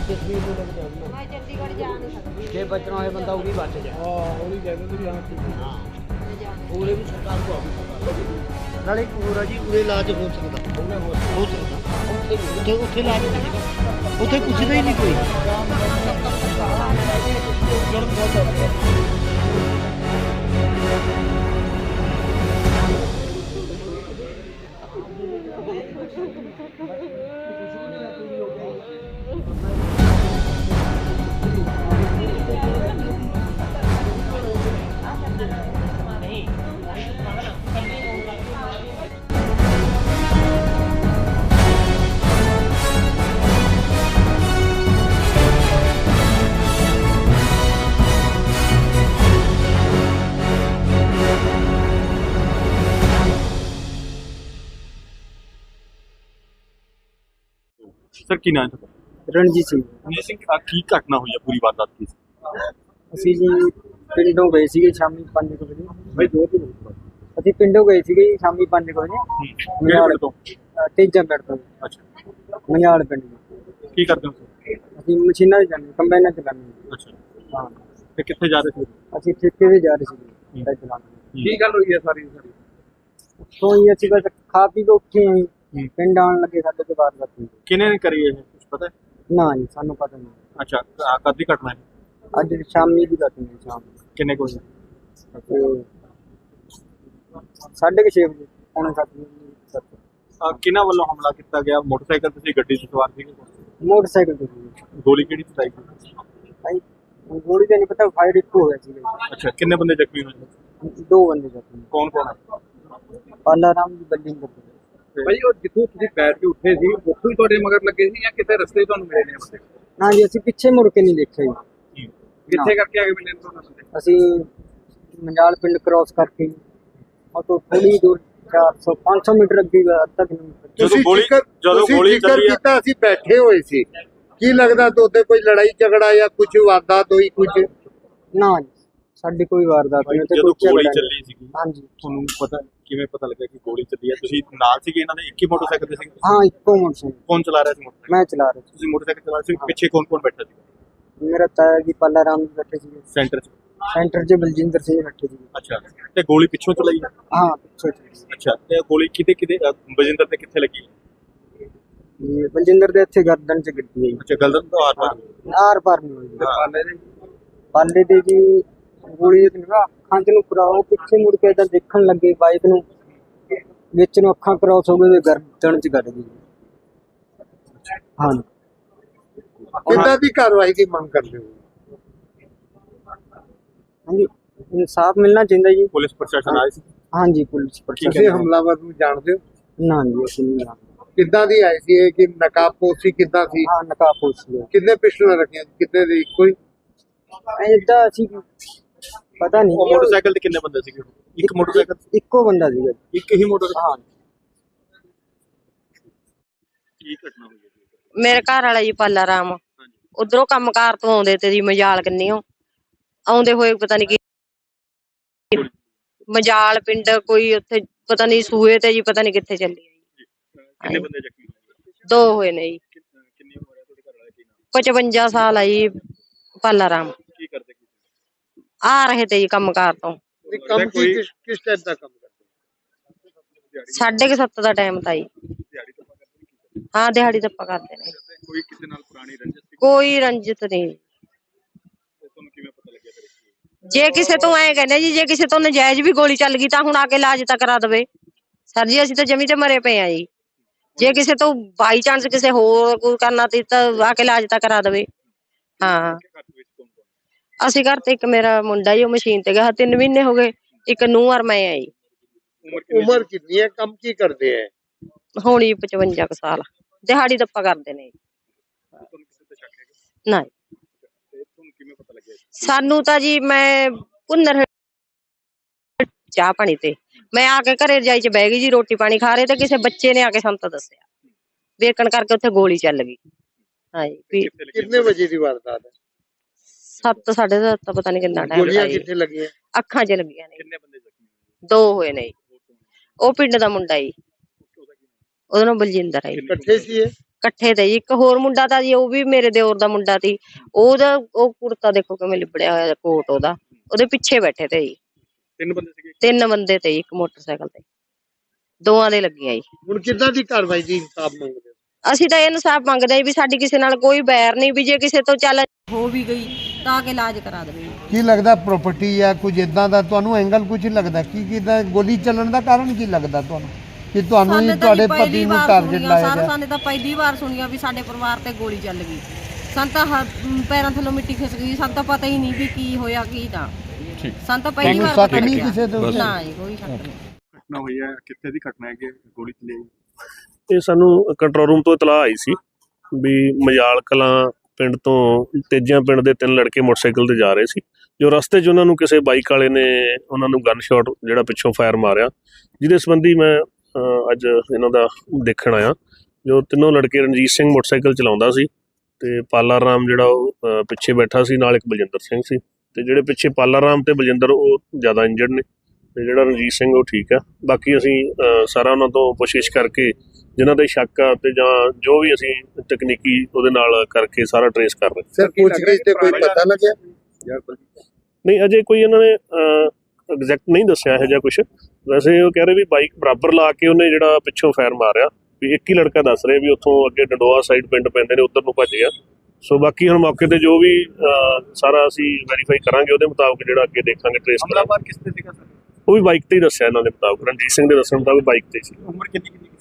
जसवीर को लेके जाऊंगा मैं चंडीगढ़ जा नहीं सकती। जे बचना है बंदा वही बच जाए। हाँ वही कहते थे यहाँ ठीक है। मैं जा नहीं पूरे भी सरकार को अभी ਨਾਲੇ ਇੱਕ ਹੋਰ ਆ ਜੀ ਉਰੇ ਇਲਾਜ ਹੋ ਸਕਦਾ ਹੋ ਸਕਦਾ ਉੱਥੇ ਉੱਥੇ ਇਲਾਜ ਹੋ ਸਕਦਾ ਉੱਥੇ ਪੁੱਛਦਾ ਹੀ ਨਹੀਂ ਕੋਈ ਸਰ ਕੀ ਨਾਮ ਹੈ? ਰਣਜੀਤ ਸਿੰਘ ਰਣਜੀਤ ਸਿੰਘ ਕੀ ਘਟਨਾ ਹੋਈ ਹੈ ਪੂਰੀ ਵਾਰਦਾਤ ਕੀ ਸੀ? ਅਸੀਂ ਜੀ ਪਿੰਡੋਂ ਗਏ ਸੀਗੇ ਸ਼ਾਮੀ 5 ਵਜੇ ਬਈ ਅਸੀਂ ਪਿੰਡੋਂ ਗਏ ਸੀਗੇ ਜੀ ਸ਼ਾਮੀ 5 ਵਜੇ ਕਿਹੜੇ ਪਿੰਡ ਤੋਂ? ਤੇਜਾ ਪਿੰਡ ਤੋਂ ਅੱਛਾ ਮਨਿਆਲ ਪਿੰਡ ਤੋਂ। ਕੀ ਕਰਦੇ ਹੋ ਤੁਸੀਂ? ਅਸੀਂ ਮਸ਼ੀਨਾਂ 'ਚ ਜਾਂਦੇ ਕੰਬਾਈਨਾਂ 'ਚ ਜਾਂਦੇ ਅੱਛਾ ਹਾਂ ਤੇ ਕਿੱਥੇ ਜਾ ਰਹੇ ਸੀ? ਅਸੀਂ ਠੇਕੇ 'ਤੇ ਜਾ ਰਹੇ ਸੀਗੇ ਟਰੈਕਟਰ ਚਲਾਉਣ। ਕੀ ਗੱਲ ਹੋਈ ਹੈ ਸਾਰੀ ਤੋਂ ਹੀ ਅਸੀਂ ਬਸ ਖਾ ਪੀ ਕੇ ਉੱਠੇ ਆਂ ਜੀ ਪਿੰਡ ਆਉਣ ਲੱਗੇ ਸਾਡੇ ਤੋਂ ਬਾਅਦ ਬਾਤ ਕਿਹਨੇ ਨੇ ਕਰੀ ਇਹ ਕੁਝ ਪਤਾ ਹੈ? ਨਾ ਜੀ ਸਾਨੂੰ ਪਤਾ ਨਹੀਂ। ਅੱਛਾ ਕਦ ਦੀ ਘਟਨਾ ਹੈ? ਅੱਜ ਸ਼ਾਮੀ ਦੀ ਗੱਲ ਹੈ ਸ਼ਾਮ ਕਿੰਨੇ ਕੋਈ ਤੇ 6:30 ਵਜੇ ਪੌਣੇ 7 ਕਿਹਨਾਂ ਵੱਲੋਂ ਹਮਲਾ ਕੀਤਾ ਗਿਆ? ਮੋਟਰਸਾਈਕਲ ਤੇ ਸੀ, ਗੱਡੀ 'ਚ ਸਵਾਰ ਸੀਗੇ? ਮੋਟਰਸਾਈਕਲ ਤੇ ਸੀ। ਗੋਲੀ ਕਿਹੜੀ ਚਲਾਈ ਸੀ? ਭਾਈ ਗੋਲੀ ਦਾ ਨਹੀਂ ਪਤਾ ਫਾਇਰ ਇੱਕ ਹੋ ਗਿਆ ਸੀ। ਅੱਛਾ ਕਿੰਨੇ ਬੰਦੇ ਜ਼ਖਮੀ ਹੋਏ? 2 ਬੰਦੇ ਜ਼ਖਮੀ ਕੌਣ ਕੌਣ ਹੈ? ਪਾਲਾ ਰਾਮ ਦੀ ਬਿਲਡਿੰਗ ਦੇ ਭਾਈ ਉਹ ਜਿੱਥੋਂ ਤੁਸੀਂ ਬੈਠ ਕੇ ਉੱਠੇ ਸੀ ਉੱਥੋਂ ਹੀ ਤੁਹਾਡੇ ਮਗਰ ਲੱਗੇ ਸੀ ਜਾਂ ਕਿਤੇ ਰਸਤੇ ਤੁਹਾਨੂੰ ਮਿਲੇ ਨੇ ਬੰਦੇ? ਨਾ ਜੀ ਅਸੀਂ ਪਿੱਛੇ ਮੁੜ ਕੇ ਨਹੀਂ ਦੇਖਿਆ ਜੀ। ਕਿੱਥੇ ਕਰਕੇ ਆ ਕੇ ਮਿਲੇ ਨੇ ਤੁਹਾਨੂੰ ਬੰਦੇ? ਅਸੀਂ ਮੰਜਾਲ ਪਿੰਡ ਕ੍ਰਾਸ ਕਰਕੇ ਉਹ ਤੋਂ ਥੋੜੀ ਦੂਰ 400 500 ਮੀਟਰ ਅੱਗੇ ਅੱਧਾ ਕਿਲੋਮੀਟਰ। ਜਦੋਂ ਗੋਲੀ ਚੱਲੀ ਹੈ ਕੀਤਾ ਅਸੀਂ ਬੈਠੇ ਹੋਏ ਸੀ ਕੀ ਲੱਗਦਾ ਤੁਹਾਡੇ ਕੋਈ ਲੜਾਈ ਝਗੜਾ ਜਾਂ ਕੁਝ ਵਾਰਦਾਤ ਹੋਈ ਕੁਝ? ਨਾ ਜੀ ਸਾਡੀ ਕੋਈ ਵਾਰਦਾਤ ਨਹੀਂ ਤੇ ਜਦੋਂ ਕੋਈ ਗੋਲੀ ਝਗੜਾ ਚੱਲੀ ਸੀਗੀ ਹਾਂਜੀ ਤੁਹਾਨੂੰ ਪਤਾ ਕਿਵੇਂ ਪਤਾ ਲੱਗਾ ਕਿ ਗੋਲੀ ਚੱਲੀ ਹੈ? ਤੁਸੀਂ ਨਾਲ ਸੀਗੇ ਇਹਨਾਂ ਦੇ? ਇੱਕ ਹੀ ਮੋਟਰਸਾਈਕਲ ਤੇ ਸੀਗੇ? ਹਾਂ ਇੱਕੋ ਮੋਟਰਸਾਈਕਲ ਕੌਣ ਚਲਾ ਰਿਹਾ ਸੀ ਮੋਟਰਸਾਈਕਲ? ਮੈਂ ਚਲਾ ਰਿਹਾ ਤੁਸੀਂ ਮੋਟਰਸਾਈਕਲ ਚਲਾ ਰਹੇ ਸੀ, ਪਿੱਛੇ ਕੌਣ ਕੌਣ ਬੈਠਾ ਸੀ? ਸੀ। ਮੇਰਾ ਤਾਇਆ ਜੀ ਪਾਲਾ ਰਾਮ ਜੀ ਬੈਠੇ ਸੀ। ਸੈਂਟਰ 'ਚ? ਸੈਂਟਰ 'ਚ ਬਲਜਿੰਦਰ ਸਿੰਘ ਬੈਠੇ ਸੀ। ਅੱਛਾ ਤੇ ਗੋਲੀ ਪਿੱਛੋਂ ਚਲਾਈ ਹੈ? ਹਾਂ ਪਿੱਛੇ ਅੱਛਾ ਤੇ ਗੋਲੀ ਕਿਤੇ ਬਜਿੰਦਰ ਤੇ ਕਿੱਥੇ ਲੱਗੀ? ਇਹ ਬਲਜਿੰਦਰ ਦੇ ਇੱਥੇ ਗਰਦਨ 'ਚ ਗੱਡੀ ਆਈ। ਅੱਛਾ ਗਲਦਨ ਤੋਂ ਆਰ ਪਾਰ? ਆਰ ਪਾਰ ਨਹੀਂ ਹੋਈ। ਪਾਲੇ ਦੇ ਪਾਲੇ ਦੇ ਜੀ ਗੋਲੀ ਦੇ ਨਿਗਾਹ ਅੱਖਾਂ 'ਚ ਨੂੰ ਕਰਾਓ ਪਿੱਛੇ ਮੁੜ ਕੇ ਤਾਂ ਦੇਖਣ ਲੱਗੇ ਬਾਈਕ ਨੂੰ ਵਿੱਚ ਨੂੰ ਅੱਖਾਂ ਕ੍ਰਾਸ ਹੋ ਗਏ ਤੇ ਗਰਦਨ 'ਚ ਗੱਡ ਗਈ। ਹਾਂ ਕਿੱਦਾਂ ਦੀ ਕਾਰਵਾਈ ਦੀ ਮੰਗ ਕਰਦੇ ਹੋ? ਹਾਂਜੀ ਇਨਸਾਫ ਮਿਲਣਾ ਚਾਹੀਦਾ ਜੀ। ਪੁਲਿਸ ਪ੍ਰਸ਼ਾਸਨ ਆਇਆ ਸੀ? ਹਾਂਜੀ ਪੁਲਿਸ ਪ੍ਰਸ਼ਾਸਨ ਤੁਸੀਂ ਹਮਲਾਵਰ ਨੂੰ ਜਾਣਦੇ ਹੋ? ਨਾ ਜੀ ਅਸੀਂ ਨਹੀਂ ਜਾਣਦੇ। ਕਿੱਦਾਂ ਦੀ ਆਈ ਸੀ ਇਹ ਕਿ ਨਕਾਬਪੋਸ਼ੀ ਕਿੱਦਾਂ ਸੀ? ਹਾਂ ਨਕਾਬ ਪੁੱਛ ਕਿੰਨੇ ਪਿਸਟਲ ਰੱਖੇ ਕਿੰਨੇ ਦੇ ਇੱਕੋ ਹੀ? ਏਦਾਂ ਅਸੀਂ ਪਤਾ ਉਹ ਨਹੀਂ ਮੋਟਰਸਾਈਕਲ ਤੇ ਕਿੰਨੇ ਬੰਦੇ ਸੀਗੇ? ਇੱਕ ਮੋਟਰਸਾਈਕਲ? ਇੱਕੋ ਬੰਦਾ ਸੀਗਾ। ਇੱਕ ਹੀ ਮੋਟਰਸਾਈਕਲ? ਹਾਂ ਕੀ ਘਟਨਾ ਹੋਈ ਹੈ? ਮੇਰੇ ਘਰ ਵਾਲਾ ਜੀ ਪਾਲਾ ਰਾਮ ਉਧਰੋਂ ਕੰਮਕਾਰ ਤੋਂ ਆਉਂਦੇ ਤੇ ਜੀ ਮਜਾਲ ਕੰਨੀਓ ਆਉਂਦੇ ਹੋਏ ਪਤਾ ਨਹੀਂ ਕੀ ਮਜਾਲ ਪਿੰਡ ਕੋਈ ਉੱਥੇ ਪਤਾ ਨਹੀਂ ਸੂਏ ਤੇ ਜੀ ਪਤਾ ਨਹੀਂ ਕਿੱਥੇ ਚੱਲੀ ਜੀ। ਕਿੰਨੇ ਬੰਦੇ ਜ਼ਖਮੀ ਹੋਏ? 2 ਹੋਏ ਨੇ ਜੀ। ਕਿੰਨੀ ਉਮਰ ਹੈ ਤੁਹਾਡੇ ਘਰ ਵਾਲੇ ਦੀ? ਨਾਮ 55 ਸਾਲ ਆ ਜੀ ਪਾਲਾ ਰਾਮ। ਕੀ ਕਰਦੇ? ਆ ਰਹੇ ਤੇ ਜੀ ਕੰਮਕਾਰ ਤੋਂ ਇਹ ਕੰਮ ਕੀ ਕਿਸ ਟਾਈਪ ਦਾ ਕੰਮ ਕਰਦੇ? 7:30 ਦਾ ਟਾਈਮ ਤਾਂ ਜੀ। ਦਿਹਾੜੀ ਤੋਂ ਕਰਦੇ? ਹਾਂ ਦਿਹਾੜੀ ਧੱਪਾ ਕਰਦੇ ਨੇ। ਕੋਈ ਕਿਸੇ ਨਾਲ ਪੁਰਾਣੀ ਰੰਜਿਸ਼ ਸੀ? ਕੋਈ ਰੰਜਿਤ ਨਹੀਂ। ਤੁਹਾਨੂੰ ਕਿਵੇਂ ਪਤਾ ਲੱਗਿਆ ਫਿਰ? ਜੇ ਕਿਸੇ ਤੋਂ ਐ ਕਹਿੰਦੇ ਜੀ ਜੇ ਕਿਸੇ ਤੋਂ ਨਜਾਇਜ਼ ਵੀ ਗੋਲੀ ਚੱਲ ਗਈ ਤਾਂ ਹੁਣ ਆ ਕੇ ਇਲਾਜ ਤਾਂ ਕਰਾ ਦੇਵੇ ਸਰ ਜੀ। ਅਸੀਂ ਤਾਂ ਜਮੀ ਤੇ ਮਰੇ ਪਏ ਆ ਜੀ। ਜੇ ਕਿਸੇ ਤੋਂ ਬਾਈ ਚਾਂਸ ਕਿਸੇ ਹੋਰ ਕੋਈ ਕਰਨਾ ਤੇ ਤਾਂ ਆ ਕੇ ਇਲਾਜ ਤਾਂ ਕਰਾ ਦੇਵੇ। ਹਾਂ ਅਸੀਂ ਘਰ ਤੇ ਇੱਕ ਮੇਰਾ ਮੁੰਡਾ ਜੀ ਉਹ ਮਸ਼ੀਨ ਤੇ ਗਿਆ 3 ਮਹੀਨੇ ਹੋ ਗਏ। ਇੱਕ ਨੂੰਹ ਔਰ ਮੈਂ ਆ ਜੀ। ਉਮਰ ਕਿੰਨੀ ਹੈ? ਕੰਮ ਕੀ ਕਰਦੇ ਹੈ? ਹੋਣੀ 55 ਕੁ ਸਾਲ। ਦਿਹਾੜੀ ਦੱਪਾ ਕਰਦੇ ਨੇ। ਨਾ ਸਾਨੂੰ ਤਾਂ ਜੀ ਮੈਂ ਭੁੰਨਰ ਚਾਹ ਪਾਣੀ ਤੇ ਮੈਂ ਆ ਕੇ ਘਰੇ ਰਜਾਈ ਚ ਬਹਿ ਗਈ ਜੀ ਰੋਟੀ ਪਾਣੀ ਖਾ ਰਹੇ ਤੇ ਕਿਸੇ ਬੱਚੇ ਨੇ ਆ ਕੇ ਸਾਨੂੰ ਤਾਂ ਦੱਸਿਆ ਵੇਖਣ ਕਰਕੇ ਉੱਥੇ ਗੋਲੀ ਚੱਲ ਗਈ। ਹਾਂਜੀ ਕਿੰਨੇ ਵਜੇ ਦੀ ਵਾਰਦਾਤ ਹੈ? 7 7:30 ਪਤਾ ਨਹੀਂ ਕਿੰਨਾ ਟਾਈਮ ਗੋਲੀਆਂ ਕਿੱਥੇ ਲੱਗੀਆਂ? ਅੱਖਾਂ 'ਚ ਲੱਗੀਆਂ ਨੇ। ਕਿੰਨੇ ਬੰਦੇ ਜ਼ਖਮੀ? 2 ਹੋਏ ਨੇ। ਉਹ ਪਿੰਡ ਦਾ ਮੁੰਡਾ ਜੀ ਉਹਦਾ ਨਾਮ ਬਲਜਿੰਦਰ ਹੈ। ਇਕੱਠੇ ਸੀ ਇਹ? ਇਕੱਠੇ ਤੇ ਜੀ। ਇੱਕ ਹੋਰ ਮੁੰਡਾ ਤਾਂ ਜੀ, ਉਹ ਵੀ ਮੇਰੇ ਦਿਓਰ ਦਾ ਮੁੰਡਾ ਸੀ। ਉਹਦਾ ਉਹ ਕੁੜਤਾ ਦੇਖੋ ਕਿਵੇਂ ਲਿਬੜਿਆ ਹੋਇਆ, ਕੋਟ ਉਹਦੇ ਪਿੱਛੇ ਬੈਠੇ ਤੇ ਜੀ। 3 ਬੰਦੇ ਸੀਗੇ। 3 ਬੰਦੇ ਤੇ ਜੀ, ਇੱਕ ਮੋਟਰਸਾਈਕਲ ਤੇ, ਦੋਵਾਂ ਦੇ ਲੱਗੀਆਂ ਜੀ। ਹੁਣ ਕਿੱਦਾਂ ਦੀ ਕਾਰਵਾਈ ਦੀ ਇਨਸਾਫ ਮੰਗਦੇ ਹੋ? ਅਸੀਂ ਤਾਂ ਇਹ ਇਨਸਾਫ ਮੰਗਦੇ ਹਾਂ ਵੀ ਸਾਡੀ ਕਿਸੇ ਨਾਲ ਕੋਈ ਬੈਰ ਨਹੀਂ, ਵੀ ਜੇ ਕਿਸੇ ਤੋਂ ਚੱਲ ਹੋ ਵੀ ਗਈ ਤਾਂ ਆ ਕੇ ਇਲਾਜ ਕਰਾ ਦੇਵੇ। ਕੀ ਲੱਗਦਾ ਪ੍ਰਾਪਰਟੀ ਜਾਂ ਕੁਝ ਇਦਾਂ ਦਾ ਤੁਹਾਨੂੰ ਐਂਗਲ ਕੁਝ ਲੱਗਦਾ ਕੀ ਕਿਦਾਂ ਗੋਲੀ ਚੱਲਣ ਦਾ ਕਾਰਨ ਕੀ ਲੱਗਦਾ ਤੁਹਾਨੂੰ ਕਿ ਤੁਹਾਨੂੰ ਹੀ ਤੁਹਾਡੇ ਪਤੀ ਨੂੰ ਟਾਰਗੇਟ ਲਾਇਆ ਗਿਆ? ਸਾਨੂੰ ਤਾਂ ਪਹਿਲੀ ਵਾਰ ਸੁਣੀਆ ਵੀ ਸਾਡੇ ਪਰਿਵਾਰ ਤੇ ਗੋਲੀ ਚੱਲ ਗਈ। ਸਾਨੂੰ ਤਾਂ ਪੈਰਾਂ ਥੱਲੋਂ ਮਿੱਟੀ ਖਿਸਕ ਗਈ। ਸਾਨੂੰ ਤਾਂ ਪਤਾ ਹੀ ਨਹੀਂ ਵੀ ਕੀ ਹੋਇਆ ਕੀ ਨਾ। ਸਾਨੂੰ ਤਾਂ ਪਹਿਲੀ ਵਾਰ ਪਤਾ ਨਹੀਂ ਲੱਗਿਆ। ਕਿਸੇ ਦੇ ਉੱਤੇ? ਨਾ ਜੀ, ਕੋਈ ਸ਼ੱਕ ਨਹੀਂ। ਘਟਨਾ ਹੋਈ ਹੈ, ਕਿੱਥੇ ਦੀ ਘਟਨਾ ਹੈ ਕਿ ਗੋਲੀ ਚੱਲੀ ਹੈ? ਇਹ ਸਾਨੂੰ ਕੰਟਰੋਲ ਰੂਮ ਤੋਂ ਇਤਲਾਹ ਆਈ ਸੀ ਵੀ ਮਜਾਲ ਕਲਾਂ ਪਿੰਡ ਤੋਂ ਤੇਜਿਆਂ ਪਿੰਡ ਦੇ 3 ਲੜਕੇ ਮੋਟਰਸਾਈਕਲ ਤੇ ਜਾ ਰਹੇ ਸੀ। ਜੋ ਰਸਤੇ 'ਚ ਉਹਨਾਂ ਨੂੰ ਕਿਸੇ ਬਾਈਕ ਵਾਲੇ ਨੇ ਉਹਨਾਂ ਨੂੰ ਗਨ ਸ਼ਾਟ ਜਿਹੜਾ ਪਿੱਛੋਂ ਫਾਇਰ ਮਾਰਿਆ, ਜਿਹਦੇ ਸੰਬੰਧੀ ਮੈਂ ਅੱਜ ਇਹਨਾਂ ਦਾ ਦੇਖਣ ਆਇਆ। ਜੋ ਤਿੰਨੋਂ ਲੜਕੇ ਰਣਜੀਤ ਸਿੰਘ ਮੋਟਰਸਾਈਕਲ ਚਲਾਉਂਦਾ ਸੀ ਤੇ ਪਾਲਾ ਰਾਮ ਜਿਹੜਾ ਉਹ ਪਿੱਛੇ ਬੈਠਾ ਸੀ, ਨਾਲ ਇੱਕ ਬਲਜਿੰਦਰ ਸਿੰਘ ਸੀ। ਤੇ ਜਿਹੜੇ ਪਿੱਛੇ ਪਾਲਾ ਰਾਮ ਤੇ ਬਲਜਿੰਦਰ ਉਹ ਜ਼ਿਆਦਾ ਇੰਜਰਡ ਨੇ ਤੇ ਜਿਹੜਾ ਰਣਜੀਤ ਸਿੰਘ ਉਹ ਠੀਕ ਆ। ਬਾਕੀ ਅਸੀਂ ਸਾਰਾ ਉਹਨਾਂ ਤੋਂ ਕੋਸ਼ਿਸ਼ ਕਰਕੇ ਜਿਨ੍ਹਾਂ ਦੇ ਸ਼ੱਕ ਆ ਤੇ ਜਾਂ ਜੋ ਵੀ ਅਸੀਂ ਤਕਨੀਕੀ ਉਹਦੇ ਨਾਲ ਕਰਕੇ ਸਾਰਾ ਟਰੇਸ ਕਰ ਰਹੇ। ਸਰ ਪੁੱਛਗਿੱਛ ਤੇ ਕੋਈ ਪਤਾ ਲੱਗਿਆ? ਨਹੀਂ, ਅਜੇ ਕੋਈ ਇਹਨਾਂ ਨੇ ਐਗਜ਼ੈਕਟ ਨਹੀਂ ਦੱਸਿਆ ਇਹੋ ਜਿਹਾ ਕੁਛ। ਵੈਸੇ ਉਹ ਕਹਿ ਰਹੇ ਵੀ ਬਾਈਕ ਬਰਾਬਰ ਲਾ ਕੇ ਉਹਨੇ ਜਿਹੜਾ ਪਿੱਛੋਂ ਫਾਇਰ ਮਾਰਿਆ, ਵੀ ਇੱਕ ਹੀ ਲੜਕਾ ਦੱਸ ਰਿਹਾ ਵੀ ਉੱਥੋਂ ਅੱਗੇ ਡੰਡੋਆ ਸਾਈਡ ਪਿੰਡ ਪੈਂਦੇ ਨੇ, ਉੱਧਰ ਨੂੰ ਭੱਜ ਗਿਆ। ਸੋ ਬਾਕੀ ਹੁਣ ਮੌਕੇ ਤੇ ਜੋ ਵੀ ਸਾਰਾ ਅਸੀਂ ਵੈਰੀਫਾਈ ਕਰਾਂਗੇ, ਉਹਦੇ ਮੁਤਾਬਕ ਜਿਹੜਾ ਅੱਗੇ ਦੇਖਾਂਗੇ ਟਰੇਸ ਕਰਾਂਗੇ। ਹਮਲਾਵਰ ਕਿਸ ਤੇ ਸੀਗਾ ਸਰ? ਉਹ ਵੀ ਬਾਈਕ ਤੇ ਹੀ ਦੱਸਿਆ ਇਹਨਾਂ ਦੇ ਮੁਤਾਬਕ, ਰਣਜੀਤ ਸਿੰਘ ਦੇ ਦੱਸਣ ਮੁਤਾਬਕ ਬਾਈਕ ਤੇ ਸੀ। ਉਮਰ ਕਿੰਨੀ ਸੀ?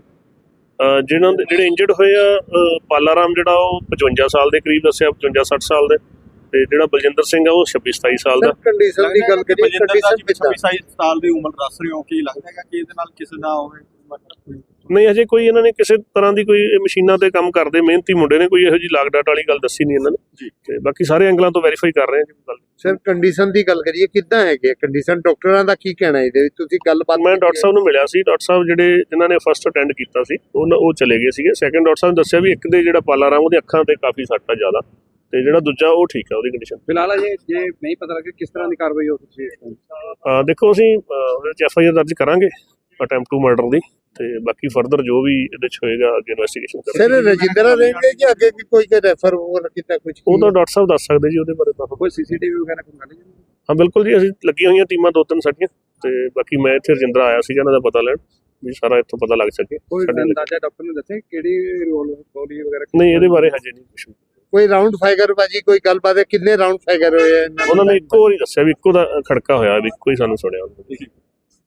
ਜਿਹੜੇ ਇੰਜਰਡ ਹੋਏ ਆ, ਪਾਲਾ ਰਾਮ ਜਿਹੜਾ ਉਹ 55 ਸਾਲ ਦੇ ਕਰੀਬ ਦੱਸਿਆ, 55-60 ਸਾਲ ਦੇ, ਤੇ ਜਿਹੜਾ ਬਲਜਿੰਦਰ ਸਿੰਘ ਆ ਉਹ 26-27 ਸਾਲ ਦਾ। ਕੰਡੀਸ਼ਨ ਦੀ ਗੱਲ ਕਰੀਏ, ਕੰਡੀਸ਼ਨ ਕਿੱਦਾਂ? 26 ਸਾਲ ਦੀ ਉਮਰ ਦੱਸ ਰਹੇ ਹੋ, ਕੀ ਲੱਗਦਾ ਹੈ ਕਿ ਇਹਦੇ ਨਾਲ ਕਿਸੇ ਦਾ ਹੋਵੇ? ਨਹੀਂ, ਅਜੇ ਕੋਈ ਇਹਨਾਂ ਨੇ ਕਿਸੇ ਤਰ੍ਹਾਂ ਦੀ ਕੋਈ ਮਸ਼ੀਨਾਂ ਤੇ ਕੰਮ ਕਰਦੇ ਮਿਹਨਤੀ ਮੁੰਡੇ ਨੇ, ਕੋਈ ਇਹੋ ਜਿਹੀ ਲਾਗ ਡਾਟ ਵਾਲੀ ਗੱਲ ਦੱਸੀ ਨਹੀਂ ਇਹਨਾਂ ਨੇ। ਤੇ ਬਾਕੀ ਸਾਰੇ ਐਂਗਲਾਂ ਤੋਂ ਵੈਰੀਫਾਈ ਕਰ ਰਹੇ ਹਾਂ ਗੱਲ। ਸਰ ਕੰਡੀਸ਼ਨ ਦੀ ਗੱਲ ਕਰੀਏ, ਕਿੱਦਾਂ ਹੈਗੇ ਕੰਡੀਸ਼ਨ? ਡਾਕਟਰਾਂ ਦਾ ਕੀ ਕਹਿਣਾ ਇਹਦੇ ਵਿੱਚ? ਤੁਸੀਂ ਗੱਲਬਾਤ? ਮੈਂ ਡਾਕਟਰ ਸਾਹਿਬ ਨੂੰ ਮਿਲਿਆ ਸੀ। ਡਾਕਟਰ ਸਾਹਿਬ ਜਿਨ੍ਹਾਂ ਨੇ ਫਸਟ ਅਟੈਂਡ ਕੀਤਾ ਸੀ ਉਹ ਚਲੇ ਗਏ ਸੀਗੇ। ਸੈਕੰਡ ਡਾਕਟਰ ਸਾਹਿਬ ਨੇ ਦੱਸਿਆ ਵੀ ਇੱਕ ਦੇ ਜਿਹੜਾ ਪਾਲਾ ਰਾਮ ਉਹਦੀ ਅੱਖਾਂ ਤੇ ਕਾਫੀ ਸੱਟ ਆ ਜ਼ਿਆਦਾ, ਤੇ ਜਿਹੜਾ ਦੂਜਾ ਉਹ ਠੀਕ ਆ, ਉਹਦੀ ਕੰਡੀਸ਼ਨ। ਫਿਲਹਾਲ ਜੇ ਨਹੀਂ ਪਤਾ ਲੱਗੇ ਕਿਸ ਤਰ੍ਹਾਂ ਦੀ ਕਾਰਵਾਈ ਹੋ ਸਕਦੀ ਹੈ? ਦੇਖੋ ਅਸੀਂ ਉਹਦੇ 'ਚ FIR ਦਰਜ ਕਰਾਂਗੇ ਅਟੈਂਪਟ ਟੂ ਮਰਡਰ ਦੀ, ਤੇ ਬਾਕੀ ਫਰਦਰ ਜੋ ਵੀ ਇਹਦੇ 'ਚ ਹੋਏਗਾ ਅੱਗੇ ਇਨਵੈਸਟੀਗੇਸ਼ਨ ਕਰਾਂਗੇ। ਸਰ ਰਜਿੰਦਰਾ ਰਹਿਣਗੇ ਕਿ ਅੱਗੇ ਕੋਈ ਰੈਫਰ ਹੋਰ ਕੀਤਾ ਕੁਝ? ਉਹ ਤਾਂ ਡਾਕਟਰ ਸਾਹਿਬ ਦੱਸ ਸਕਦੇ ਜੀ ਉਹਦੇ ਬਾਰੇ ਤਾਂ। ਕੋਈ CCTV ਵਗੈਰਾ ਕੋਈ ਗੱਲ ਨਹੀਂ? ਹਾਂ ਬਿਲਕੁਲ ਜੀ, ਅਸੀਂ ਲੱਗੀਆਂ ਹੋਈਆਂ ਟੀਮਾਂ 2-3 ਸਾਡੀਆਂ, ਤੇ ਬਾਕੀ ਮੈਂ ਇੱਥੇ ਰਜਿੰਦਰਾ ਆਇਆ ਸੀਗਾ ਇਹਨਾਂ ਦਾ ਪਤਾ ਲੈਣ ਵੀ ਸਾਰਾ ਇੱਥੋਂ ਪਤਾ ਲੱਗ ਸਕੇ। ਕੋਈ ਅੰਦਾਜ਼ਾ ਡਾਕਟਰ ਨੇ ਦੱਸਿਆ ਕਿਹੜੀ ਗੋਲੀ ਵਗੈਰਾ? ਨਹੀਂ, ਇਹਦੇ ਬਾਰੇ ਹਜੇ ਨਹੀਂ ਕੁਝ। ਕੋਈ ਰਾਉਂਡ ਫਾਇਰ ਬਾਜੀ ਕੋਈ ਗੱਲਬਾਤ ਹੈ? ਕਿੰਨੇ ਰਾਉਂਡ ਫਾਇਰ ਹੋਏ? ਉਹਨਾਂ ਨੇ ਇੱਕੋ ਵਾਰੀ ਦੱਸਿਆ ਵੀ ਇੱਕੋ ਦਾ ਖੜਕਾ ਹੋਇਆ, ਵੀ ਇੱਕੋ ਹੀ ਸਾਨੂੰ ਸੁਣਿਆ।